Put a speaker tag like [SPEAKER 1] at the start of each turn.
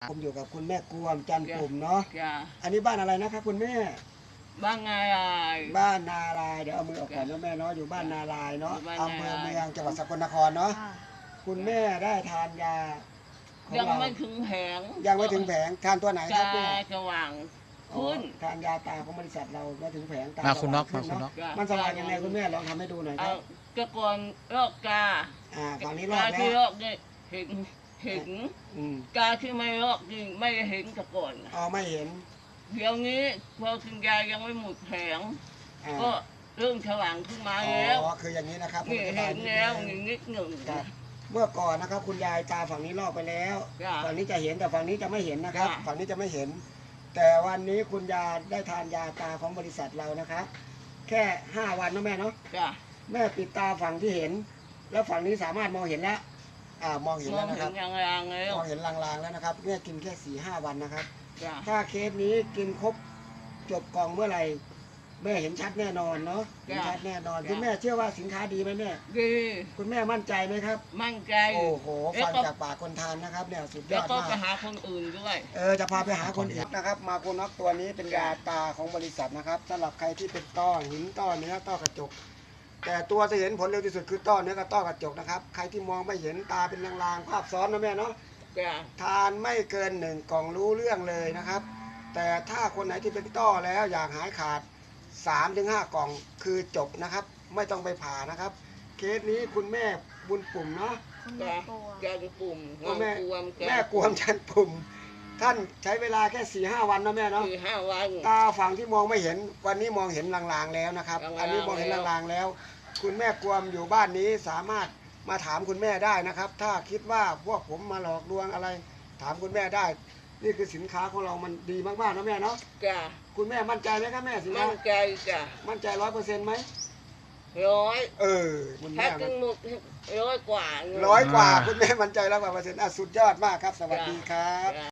[SPEAKER 1] ผมอยู่กับคุณแม่กวมจันทร์ปุ่มเนาะ
[SPEAKER 2] จ้ะ
[SPEAKER 1] อันนี้บ้านอะไรนะครับคุณแม่
[SPEAKER 2] บ้านไงอะไร
[SPEAKER 1] บ้านนารายเดี๋ยวเอามือออกก่อนนะแม่เนาะอยู่บ้านนารายเนาะ
[SPEAKER 2] อยู่บ้าน
[SPEAKER 1] อำเภอ
[SPEAKER 2] นา
[SPEAKER 1] เมื
[SPEAKER 2] ราย
[SPEAKER 1] องจังหวัดสกลนครเนาะ
[SPEAKER 3] ค่ะ
[SPEAKER 1] คุณแม่ได้ทานยาของ
[SPEAKER 2] ยัง
[SPEAKER 1] เรา
[SPEAKER 2] ไม่ถึงแผง
[SPEAKER 1] ยังไม่ถึงแผงทานตัวไหนค
[SPEAKER 2] จะ
[SPEAKER 1] รับแม่
[SPEAKER 2] สว่าง
[SPEAKER 1] อ๋อ
[SPEAKER 2] ขึ้น
[SPEAKER 1] ทานยาตาของบริษัทเราไม่ถึงแผงตา
[SPEAKER 4] มา
[SPEAKER 1] ส
[SPEAKER 4] คุณ
[SPEAKER 1] ว่
[SPEAKER 4] น็อก
[SPEAKER 1] ขึ้
[SPEAKER 4] มาคุณน็อก
[SPEAKER 2] จ้ะ
[SPEAKER 1] มันสว่างยังไงคุณแม่ลองทำให้ดูหน่อยค
[SPEAKER 2] เอา
[SPEAKER 1] รับ
[SPEAKER 2] ตะกอนโรคกา
[SPEAKER 1] ฝั่งนี้รอด
[SPEAKER 2] ที่
[SPEAKER 1] แล้ว
[SPEAKER 2] โรคเนี่ยเห็น
[SPEAKER 1] อืม
[SPEAKER 2] กาที่ไม่โรคนี่ไม่เห็นตะกอน
[SPEAKER 1] อ๋อไม่เห็น
[SPEAKER 2] เดี๋ยวนี้พอกินยายังไม่หมดแผง
[SPEAKER 1] อ่า
[SPEAKER 2] ก็เริ่มสว่างขึ้นมา
[SPEAKER 1] อ๋
[SPEAKER 2] แล้ว
[SPEAKER 1] อคืออย่างนี้นะครับ
[SPEAKER 2] นี่
[SPEAKER 1] ผมอธิบา
[SPEAKER 2] เห็
[SPEAKER 1] ย
[SPEAKER 2] น
[SPEAKER 1] นิด
[SPEAKER 2] แล้ว
[SPEAKER 1] นึง
[SPEAKER 2] นิดหนึ่ง
[SPEAKER 1] ครับเมื่อก่อนนะครับคุณยายตาฝั่งนี้ลอกไปแล้ว
[SPEAKER 2] จ้ะ
[SPEAKER 1] ฝั่งนี้จะเห็นแต่ฝั่งนี้จะไม่เห็นนะครับ
[SPEAKER 2] จ้ะ
[SPEAKER 1] ฝั่งนี้จะไม่เห็น แต่วันนี้คุณยายได้ทานยาตาของบริษัทเรานะครับ แค่5 วันนะแม่เนาะ
[SPEAKER 2] จ้ะ
[SPEAKER 1] แม่ปิดตาฝั่งที่เห็น แล้วฝั่งนี้สามารถมองเห็นแล้วมองเห็น
[SPEAKER 2] มอ
[SPEAKER 1] แล้
[SPEAKER 2] ง
[SPEAKER 1] วนะค
[SPEAKER 2] เห็
[SPEAKER 1] รั
[SPEAKER 2] น
[SPEAKER 1] บ
[SPEAKER 2] อย่างๆแล้ว
[SPEAKER 1] มองเห็นลางๆแล้วนะครับแม่กินแค่4-5 วันนะครับ
[SPEAKER 2] จ้ะ
[SPEAKER 1] ถ้าเคสนี้กินครบจบกล่องเมื่อไหร่แม่เห็นชัดแน่นอนเนาะเห็นชัดแน่นอนคุณแม่เชื่อว่าสินค้าดีไหมแม่
[SPEAKER 2] ดี
[SPEAKER 1] คุณแม่มั่นใจไหมครับ
[SPEAKER 2] มั่นใจ
[SPEAKER 1] โอ้โหฟังจากปากคนทานนะครับเนี่ยสุดย
[SPEAKER 2] แล้ว
[SPEAKER 1] อด
[SPEAKER 2] ก็
[SPEAKER 1] มา
[SPEAKER 2] ไป
[SPEAKER 1] ก
[SPEAKER 2] หาคนอื่นด้วย
[SPEAKER 1] จะพาไปหาคนอื่นนะครับ มาโคน็อกตัวนี้เป็นยาตาของบริษัทนะครับสำหรับใครที่เป็นต้อหินต้อเนื้อต้อกระจก แต่ตัวที่เห็นผลเร็วที่สุดคือต้อเนื้อกับต้อกระจกนะครับใครที่มองไม่เห็นตาเป็นลางๆภาพซ้อนนะแม่เนาะ
[SPEAKER 2] จ้ะ
[SPEAKER 1] ทานไม่เกิน1 กล่องรู้เรื่องเลยนะครับ แต่ถ้าคนไหนที่เป็นต้อแล้วอยากหายขาด 3-5 กล่องคือจบนะครับ ไม่ต้องไปผ่านะครับ เคสนี้คุณแม่บุญปุ่มเนาะ
[SPEAKER 3] คุณแม่
[SPEAKER 2] จ้ะ
[SPEAKER 3] กลัว
[SPEAKER 2] แกเป็นปุ่ม
[SPEAKER 1] แม่
[SPEAKER 2] กวม
[SPEAKER 1] แม่กวมชันปุ่ม ท่านใช้เวลาแค่4-5 วันนะแม่เนาะ
[SPEAKER 2] คือ5 วัน
[SPEAKER 1] ตาฝั่งที่มองไม่เห็นวันนี้มองเห็นลางๆแล้วนะครับ
[SPEAKER 2] ลางๆ
[SPEAKER 1] อันนี้มองเห็น
[SPEAKER 2] แล้ว
[SPEAKER 1] ลางๆแล้ว คุณแม่กวมอยู่บ้านนี้สามารถมาถามคุณแม่ได้นะครับ ถ้าคิดว่าพวกผมมาหลอกลวงอะไร ถามคุณแม่ได้ นี่คือสินค้าของเรามันดีมากๆนะแม่เนาะ
[SPEAKER 2] จ้ะ
[SPEAKER 1] คุณแม่มั่นใจไหมครับแม่สินค้า
[SPEAKER 2] มั่นใจจ้ะ
[SPEAKER 1] มั่นใจ100%ไหม
[SPEAKER 2] 100
[SPEAKER 1] คุณ
[SPEAKER 2] ถ้า
[SPEAKER 1] แม่
[SPEAKER 2] กินหมด100 กว่า
[SPEAKER 1] 100 กว่าคุณแม่มั่นใจ100 กว่าเปอร์เซ็นต์สุดยอดมากครับ สวัสดีครับ
[SPEAKER 2] จ้ะ